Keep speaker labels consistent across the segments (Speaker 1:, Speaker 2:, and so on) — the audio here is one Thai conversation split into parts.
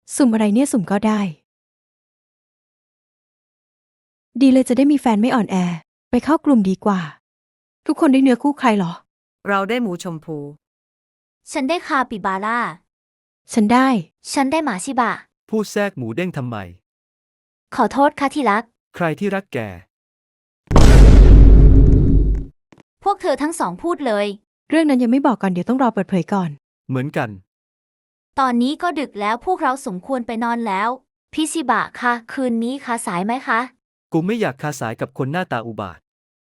Speaker 1: สุ่มอะไรเนี่ยสุ่มก็ได้ ดีเลยจะได้มีแฟนไม่อ่อนแอ ไปเข้ากลุ่มดีกว่า ทุกคนได้เนื้อคู่ใครเหรอ
Speaker 2: เราได้หมูชมพู
Speaker 3: ฉันได้คาปิบาร่า
Speaker 1: ฉันได้
Speaker 3: ฉันได้หมาชิบะ
Speaker 4: พูดแทรกหมูเด้งทำไม
Speaker 3: ขอโทษค่ะที่รัก
Speaker 4: ใครที่รักแก
Speaker 3: พวกเธอทั้งสองพูดเลย
Speaker 1: เรื่องนั้นยังไม่บอกก่อนเดี๋ยวต้องรอเปิดเผยก่อน
Speaker 4: เหมือนกัน
Speaker 3: ตอนนี้ก็ดึกแล้วพวกเราสมควรไปนอนแล้ว พี่ชิบะคะคืนนี้คะสายไหมคะ
Speaker 4: กูไม่อยากคาสายกับคนหน้าตาอุบาท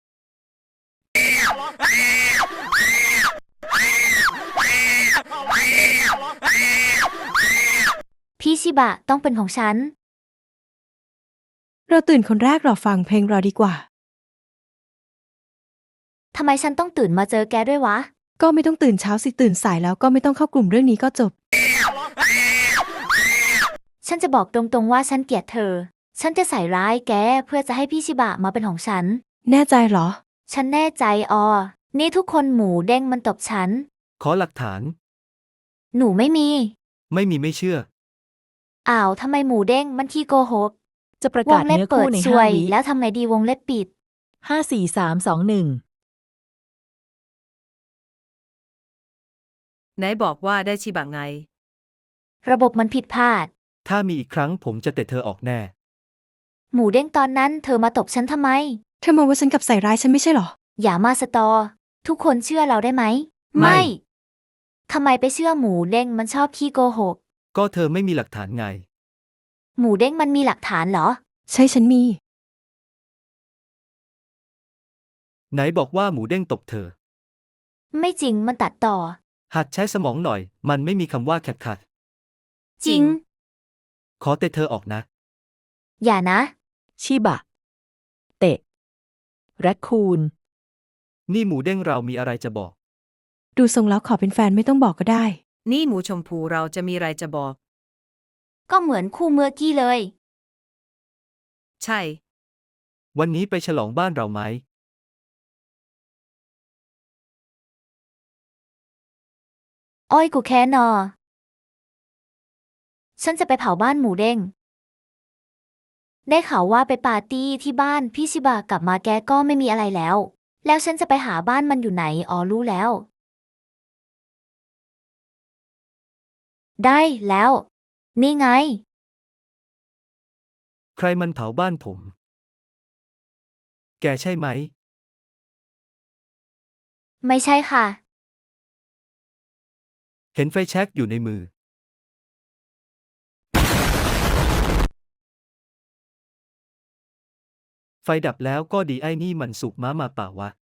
Speaker 3: พี่ชิบะต้องเป็นของฉัน
Speaker 1: เราตื่นคนแรกรอฟังเพลงรอดีกว่า
Speaker 3: ทำไมฉันต้องตื่นมาเจอแกด้วยวะ
Speaker 1: ก็ไม่ต้องตื่นเช้าสิตื่นสายแล้วก็ไม่ต้องเข้ากลุ่มเรื่องนี้ก็จบ
Speaker 3: ฉันจะบอกตรงๆว่าฉันเกลียดเธอ ฉันจะใส่ร้ายแกเพื่อจะให้พี่ชิบะมาเป็นของฉัน
Speaker 1: แน่ใจเหรอ
Speaker 3: ฉันแน่ใจนี่ทุกคนหมูเด้งมันตบฉัน
Speaker 4: ขอหลักฐาน
Speaker 3: หนูไม่มี
Speaker 4: ไม่มีไม่เชื่อ
Speaker 3: อ้าวทำไมหมูเด้งมันขี้โกหก
Speaker 5: จะประ
Speaker 3: ว
Speaker 5: กาง ศ
Speaker 3: เล็บ
Speaker 5: เนื้อ
Speaker 3: เปิ
Speaker 5: คู่
Speaker 3: ด
Speaker 5: ใน
Speaker 3: ซวย
Speaker 5: 5 วิ
Speaker 3: แล้วทำไงดีวงเล็บปิด
Speaker 5: 5 4 3 2 1
Speaker 2: ไหนบอกว่าได้ชิบะไง
Speaker 3: ระบบมันผิดพลาด
Speaker 4: ถ้ามีอีกครั้งผมจะเตะเธอออกแน่
Speaker 3: หมูเด้งตอนนั้นเธอมาตบฉันทำไม
Speaker 1: เธอมองว่าฉันกับใส่ร้ายฉันไม่ใช่เหรอ
Speaker 3: อย่ามาสตอ ทุกคนเชื่อเราได้ไหม
Speaker 4: ไม่
Speaker 3: ทำไมไปเชื่อหมูเด้งมันชอบขี้โกหก
Speaker 4: ก็เธอไม่มีหลักฐานไง
Speaker 3: หมูเด้งมันมีหลักฐานเหรอ
Speaker 1: ใช่ฉันมี
Speaker 4: ไหนบอกว่าหมูเด้งตบเธอ
Speaker 3: ไม่จริงมันตัดต่อ
Speaker 4: หัดใช้สมองหน่อย มันไม่มีคำว่าแคทขัด
Speaker 3: จริง
Speaker 4: ขอเตะเธอออกนะ
Speaker 3: อย่านะ
Speaker 5: ชิบะ เตะ แรคคูน
Speaker 4: นี่หมูเด้งเรามีอะไรจะบอก
Speaker 1: ดูทรงแล้วขอเป็นแฟนไม่ต้องบอกก็ได้
Speaker 2: นี่หมูชมพูเราจะมีอะไรจะบอก
Speaker 3: ก็เหมือนคู่เมื่อกี้เลย
Speaker 2: ใช่
Speaker 4: วันนี้ไปฉลองบ้านเราไหม
Speaker 3: อ้อยกูแค้นอ ฉันจะไปเผาบ้านหมูเด้ง ได้ข่าวว่าไปปาร์ตี้ที่บ้านพี่ชิบะกลับมาแกก็ไม่มีอะไรแล้ว แล้วฉันจะไปหาบ้านมันอยู่ไหนรู้แล้ว ได้แล้ว นี่ไง
Speaker 4: ใครมันเผาบ้านผม แกใช่ไหม
Speaker 3: ไม่ใช่ค่ะ
Speaker 4: เห็นไฟแช็กอยู่ในมือ ไฟดับแล้วก็ดีไอ้นี่มันสุกม้ามาเปล่าวะ